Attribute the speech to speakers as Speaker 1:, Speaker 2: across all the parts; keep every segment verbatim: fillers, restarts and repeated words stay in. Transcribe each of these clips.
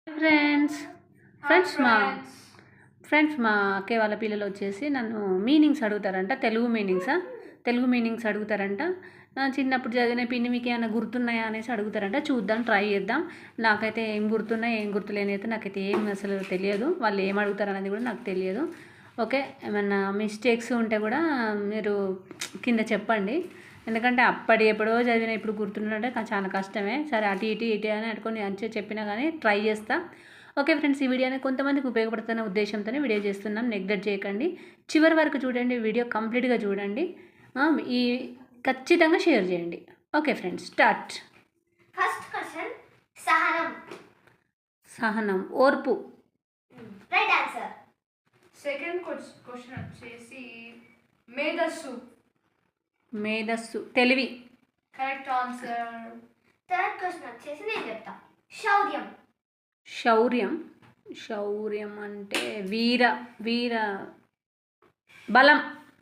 Speaker 1: Friends friends మా friends మా అక్కయ్య వాళ్ళ పిల్లలు వచ్చేసి నన్ను మీనింగ్స్ అడుగుతారంట. తెలుగు మీనింగ్సా తెలుగు మీనింగ్స్ అడుగుతారంట. చిన్నప్పుడు చదివిన పిన్ని మీకు ఏమైనా గుర్తున్నాయా అనేసి అడుగుతారంట. చూద్దాం, ట్రై చేద్దాం. నాకైతే ఏం గుర్తున్నాయి ఏం గుర్తులేని అయితే నాకైతే ఏం అసలు తెలియదు. వాళ్ళు ఏం అడుగుతారు అనేది కూడా నాకు తెలియదు. ఓకే, ఏమన్నా మిస్టేక్స్ ఉంటే కూడా మీరు కింద చెప్పండి. ఎందుకంటే అప్పటి ఎప్పుడో చదివిన ఇప్పుడు గుర్తుండే చాలా కష్టమే. సరే అటు ఇటు ఇటు అని అనుకొని మంచిగా చెప్పినా కానీ ట్రై చేస్తా. ఓకే ఫ్రెండ్స్, ఈ వీడియో అనేది కొంతమందికి ఉపయోగపడుతున్న ఉద్దేశంతోనే వీడియో చేస్తున్నాం. నెగ్లెక్ట్ చేయకండి, చివరి వరకు చూడండి, వీడియో కంప్లీట్గా చూడండి, ఈ ఖచ్చితంగా షేర్ చేయండి. Okay friends, start.
Speaker 2: First question సహనం.
Speaker 1: సహనం, ఓర్పు.
Speaker 2: Right answer.
Speaker 3: సెకండ్ క్వశ్చన్ వచ్చేసి మేధస్సు.
Speaker 1: మేధస్సు, తెలివి.
Speaker 3: Correct answer.
Speaker 2: థర్డ్ క్వశ్చన్ వచ్చేసి నేను చెప్తా. శౌర్యం.
Speaker 1: శౌర్యం శౌర్యం అంటే వీర వీర బలం.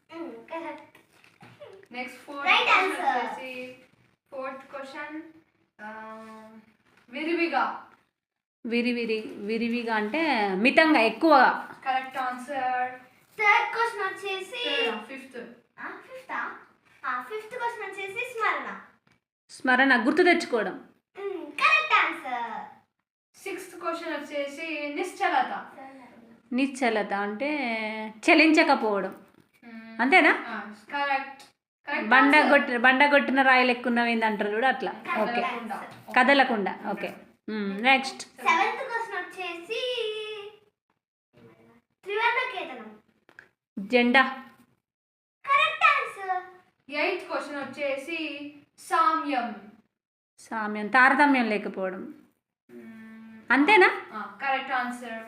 Speaker 3: నెక్స్ట్ ఫోర్త్ క్వశ్చన్ వచ్చేసి ఫోర్త్ క్వశ్చన్ విరివిగా.
Speaker 1: విరివిరి విరివిగా అంటే మితంగా, ఎక్కువగా.
Speaker 3: Correct answer.
Speaker 2: థర్డ్ క్వశ్చన్ వచ్చేసి
Speaker 3: ఫిఫ్త్
Speaker 2: ఫిఫ్త్ ఫిఫ్త్ క్వశ్చన్ వచ్చేసి స్మరణ.
Speaker 1: స్మరణ, గుర్తు తెచ్చుకోవడం.
Speaker 2: Correct answer.
Speaker 3: సిక్స్త్ క్వశ్చన్ వచ్చేసి నిశ్చలత.
Speaker 1: నిశ్చలత అంటే చలించకపోవడం, అంతేనా?
Speaker 3: కరెక్ట్.
Speaker 1: బండ కొట్టి బండ కొట్టిన రాయలు ఎక్కున్నవి అంటారు చూడ, అట్లా. ఓకే, కదలకుండా. Okay, next.
Speaker 2: సెవెంత్ క్వశ్చన్ వచ్చేసి త్రివర్ణకేతనం.
Speaker 1: జెండా.
Speaker 2: Correct answer.
Speaker 3: ఎయిత్ క్వశ్చన్ వచ్చేసి సామ్యం.
Speaker 1: సామ్యం, తారతమ్యం లేకపోవడం, అంతేనా?
Speaker 3: Correct answer.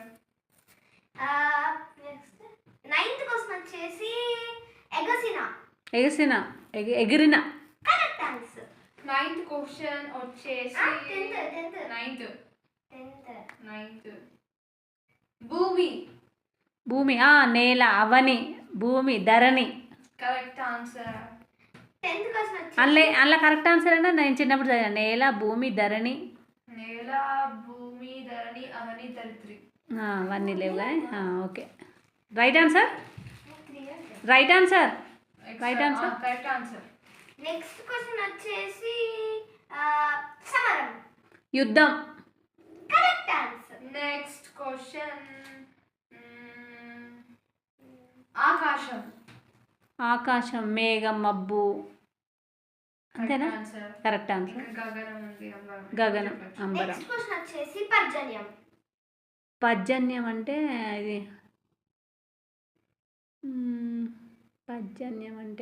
Speaker 2: Next ninth question వచ్చేసి ఎగసిన.
Speaker 1: ఎగసిన, ఎగిరిన.
Speaker 2: Correct answer.
Speaker 3: నైన్త్ క్వశ్చన్ వచ్చేసి నైన్త్ నైన్త్ భూమి.
Speaker 1: భూమి, నేల, అవని, భూమి, ధరణి.
Speaker 3: Correct answer.
Speaker 2: టెన్త్ క్వశ్చన్ వచ్చేసి
Speaker 1: అందులో అందులో కరెక్ట్ ఆన్సర్ అంటే నేను చిన్నప్పుడు చదివాను. నేల, భూమి, ధరణి.
Speaker 3: నేల, భూమి, ధరణి, అవని, ధరిత్రి.
Speaker 1: అవన్నీ లేవు కానీ. Okay, right answer. Right answer. Right answer.
Speaker 3: Correct answer.
Speaker 2: Next question వచ్చేసి సమరం.
Speaker 1: యుద్ధం.
Speaker 2: Correct answer.
Speaker 3: నెక్స్ట్ క్వశ్చన్ ఆకాశం.
Speaker 1: ఆకాశం, మేఘం, మబ్బు, అంతేనా? Correct answer.
Speaker 3: గగనం ఉంది, అంబరం.
Speaker 1: గగనం, అంబరం.
Speaker 2: నెక్స్ట్ క్వశ్చన్ వచ్చేసి పర్జన్యం.
Speaker 1: పర్జన్యం అంటే ఇది పర్జన్యం అంటే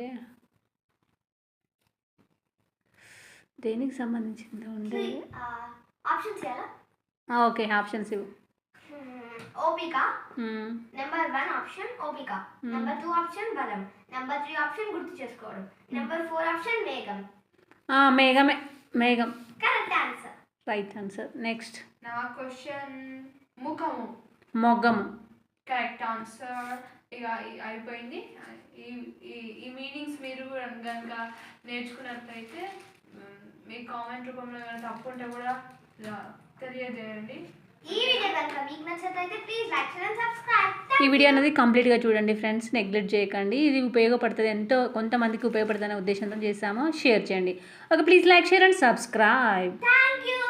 Speaker 1: దేనికి సంబంధించింది ఉండేది?
Speaker 2: ఆప్షన్స్ ఇవ్వాలా?
Speaker 1: ఓకే, ఆప్షన్స్ ఇవ్వు.
Speaker 2: ఓపిక. నెంబర్ వన్ ఆప్షన్ ఓపిక. నెంబర్ టూ ఆప్షన్ బలం. నెంబర్ త్రీ ఆప్షన్ గుర్తు చేసుకోవడం. నెంబర్ ఫోర్ ఆప్షన్ మేఘం.
Speaker 1: మేఘమే, మేఘం.
Speaker 2: Correct answer.
Speaker 1: Right answer. Next.
Speaker 3: నా క్వశ్చన్ ముఖము.
Speaker 1: మొగ్గము.
Speaker 3: Correct answer. ఇక అయిపోయింది. ఈ ఈ మీనింగ్స్ మీరు కనుక నేర్చుకున్నట్లయితే మీ కామెంట్ రూపంలో ఏమైనా తప్పు ఉంటే కూడా తెలియజేయండి.
Speaker 2: ఈ వీడియో కనుక మీకు నచ్చినట్లయితే please like share and subscribe.
Speaker 1: ఈ వీడియో అనేది కంప్లీట్గా చూడండి ఫ్రెండ్స్, నెగ్లెక్ట్ చేయకండి. ఇది ఉపయోగపడుతుంది, ఎంతో కొంతమందికి ఉపయోగపడుతున్న ఉద్దేశంతో చేసాము. షేర్ చేయండి. Okay, please like share and subscribe.
Speaker 2: Thank you.